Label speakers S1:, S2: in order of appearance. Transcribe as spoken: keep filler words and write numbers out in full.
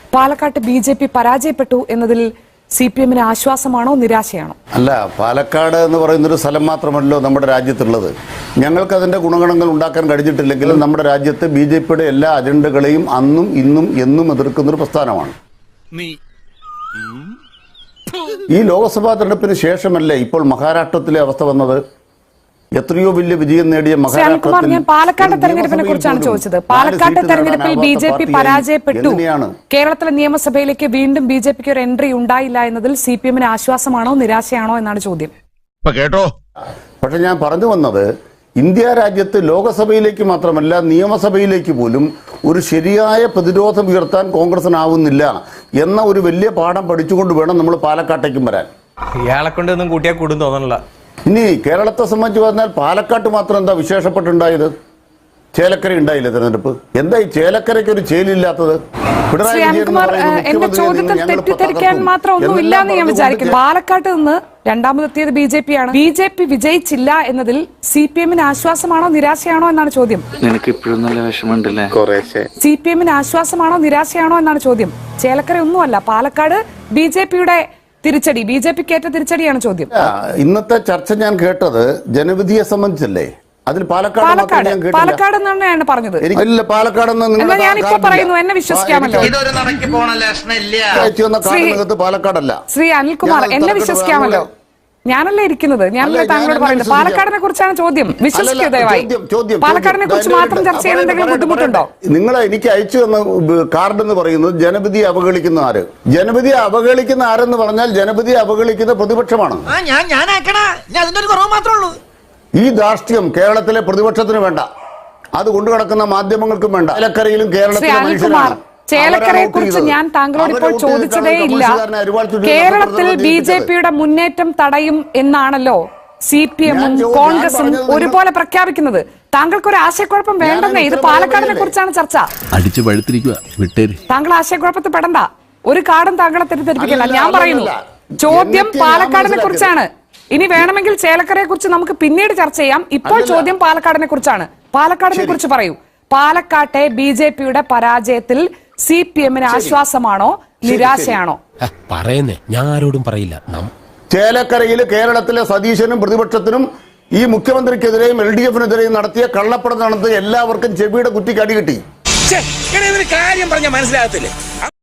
S1: പാലക്കാട്ട് B J P പരാജയപ്പെട്ടു എന്നതിൽ സി പി എമ്മിന് ആശ്വാസമാണോ നിരാശയാണോ?
S2: അല്ല, പാലക്കാട് എന്ന് പറയുന്നൊരു സ്ഥലം മാത്രമല്ലോ നമ്മുടെ രാജ്യത്തുള്ളത്. ഞങ്ങൾക്ക് അതിന്റെ ഗുണഗണങ്ങൾ ഉണ്ടാക്കാൻ കഴിഞ്ഞിട്ടില്ലെങ്കിലും നമ്മുടെ രാജ്യത്ത് ബി ജെ പിയുടെ എല്ലാ അജണ്ടകളെയും അന്നും ഇന്നും എന്നും എതിർക്കുന്നൊരു പ്രസ്ഥാനമാണ്. ഈ ലോക്സഭാ തെരഞ്ഞെടുപ്പിന് ശേഷമല്ലേ ഇപ്പോൾ മഹാരാഷ്ട്രത്തിലെ അവസ്ഥ വന്നത്? എത്രയോ വലിയ വിജയം നേടിയ
S1: മഹാരാഷ്ട്രത്തിൽ ഞാൻ പാലക്കാട് തെരഞ്ഞെടുപ്പിനെ കുറിച്ചാണ് ചോദിച്ചത്. പാലക്കാട് തെരഞ്ഞെടുപ്പിൽ ബി ജെ പി പരാജയപ്പെട്ടു. കേരളത്തിലെ നിയമസഭയിലേക്ക് വീണ്ടും ബി ജെ പിക്ക് ഒരു എൻട്രി ഉണ്ടായില്ല എന്നതിൽ സി പി എമ്മിന് ആശ്വാസമാണോ നിരാശയാണോ എന്നാണ് ചോദ്യം.
S2: കേട്ടോ, പക്ഷെ ഞാൻ പറഞ്ഞു വന്നത് ഇന്ത്യ രാജ്യത്ത് ലോകസഭയിലേക്ക് മാത്രമല്ല നിയമസഭയിലേക്ക് പോലും ഒരു ശരിയായ പ്രതിരോധം ഉയർത്താൻ കോൺഗ്രസിനാവുന്നില്ല എന്ന ഒരു വലിയ പാഠം പഠിച്ചുകൊണ്ട് വേണം നമ്മൾ പാലക്കാട്ടേക്കും വരാൻ.
S3: ഇയാളെ കൊണ്ടൊന്നും കൂട്ടിയാൽ കൂടും തോന്നണില്ല.
S2: ഇനി കേരളത്തെ സംബന്ധിച്ച് പറഞ്ഞാൽ പാലക്കാട്ട് മാത്രം എന്താ വിശേഷപ്പെട്ടുണ്ടായത്? ചേലക്കര ഉണ്ടായില്ല തെരഞ്ഞെടുപ്പ്. എന്താ ഈ ചേലക്കരയ്ക്ക് ഒരു ചേലില്ലാത്തത്?
S1: ശ്രീ അനിൽകുമാർ, എന്റെ ചോദ്യത്തിൽ തെറ്റിദ്ധരിക്കാൻ മാത്രം ഒന്നുമില്ല എന്ന് ഞാൻ വിചാരിക്കുന്നു. പാലക്കാട്ട് നിന്ന് രണ്ടാമതെത്തിയത് ബി ജെ പി ആണ്. ബി ജെ പി വിജയിച്ചില്ല എന്നതിൽ സി പി എമ്മിന് ആശ്വാസമാണോ നിരാശയാണോ എന്നാണ് ചോദ്യം. സി പി എമ്മിന് ആശ്വാസമാണോ നിരാശയാണോ എന്നാണ് ചോദ്യം. ചേലക്കര ഒന്നുമല്ല, പാലക്കാട് ബി ജെ പിയുടെ തിരിച്ചടി, ബി ജെ പിക്ക് ഏറ്റ തിരിച്ചടിയാണ് ചോദ്യം.
S2: ഇന്നത്തെ ചർച്ച ഞാൻ കേട്ടത് ജനവിധിയെ സംബന്ധിച്ചല്ലേ? അതിൽ പാലക്കാട്
S1: പാലക്കാട് എന്നാണ് പറഞ്ഞത്.
S2: പാലക്കാട്
S1: ഞാനിപ്പോ പറയുന്നു, എന്നെ വിശ്വസിക്കാമല്ലോ.
S2: പാലക്കാടല്ല
S1: ശ്രീ അനിൽകുമാർ, എന്നെ വിശ്വസിക്കാമല്ലോ. ഞാനല്ലേ ഇരിക്കുന്നത്, ഞാനല്ലേ താങ്കളോട് പറയുന്നത്. പാലക്കാടിനെ കുറിച്ചാണ് ചോദ്യം. വിശ്വസിക്കൂ ദയവായി. പാലക്കാടിനെ കുറിച്ച് മാത്രം ചർച്ച ചെയ്യാൻ എന്തെങ്കിലും ബുദ്ധിമുട്ടുണ്ടോ?
S2: നിങ്ങൾ എനിക്ക് അയച്ചു തന്ന കാർഡ് എന്ന് പറയുന്നത് ജനവിധിയെ അവഹേളിക്കുന്ന ആര്? ജനവിധിയെ അവഹേളിക്കുന്ന ആരെന്ന് പറഞ്ഞാൽ ജനവിധിയെ അവഹേളിക്കുന്ന പ്രതിപക്ഷമാണ്. ഈ ധാർഷ്ട്യം കേരളത്തിലെ പ്രതിപക്ഷത്തിന് വേണ്ട, അത് കൊണ്ടുനടക്കുന്ന മാധ്യമങ്ങൾക്കും വേണ്ട. ചേലക്കരയിലും കേരളത്തിലെ മനുഷ്യരാണ്.
S1: ചേലക്കരയെ കുറിച്ച് ഞാൻ താങ്കളോട് ഇപ്പോൾ ചോദിച്ചതേ ഇല്ല. കേരളത്തിൽ ബി ജെ പിയുടെ മുന്നേറ്റം തടയും എന്നാണല്ലോ സി പി എമ്മും കോൺഗ്രസും ഒരുപോലെ പ്രഖ്യാപിക്കുന്നത്. താങ്കൾക്ക് ഒരു ആശയക്കുഴപ്പം വേണ്ടെന്നേ. ഇത് പാലക്കാടിനെ കുറിച്ചാണ് ചർച്ച. താങ്കൾ ആശയക്കുഴപ്പത്തിൽ പെടണ്ട. ഒരു കാർഡും താങ്കളെ തെറ്റിദ്ധരിപ്പിക്കില്ല. ഞാൻ പറയുന്നു, ചോദ്യം പാലക്കാടിനെ കുറിച്ചാണ്. ഇനി വേണമെങ്കിൽ ചേലക്കരയെ കുറിച്ച് നമുക്ക് പിന്നീട് ചർച്ച ചെയ്യാം. ഇപ്പോൾ ചോദ്യം പാലക്കാടിനെ കുറിച്ചാണ്. പാലക്കാടിനെ കുറിച്ച് പറയൂ. പാലക്കാട്ടെ ബി ജെ പിയുടെ പരാജയത്തിൽ സി പി എമ്മിന് ആശ്വാസമാണോ നിരാശയാണോ?
S4: പറയുന്നേ, ഞാൻ ആരോടും പറയില്ല.
S2: ചേലക്കരയിൽ കേരളത്തിലെ സതീശനും പ്രതിപക്ഷത്തിനും ഈ മുഖ്യമന്ത്രിക്കെതിരെയും എൽ ഡി എഫിനെതിരെയും നടത്തിയ കള്ളപ്പടം നടത്തിയ എല്ലാവർക്കും ചെവിയുടെ കുറ്റിക്ക് അടി കിട്ടി.
S5: കാര്യം പറഞ്ഞ മനസ്സിലാകത്തില്ലേ?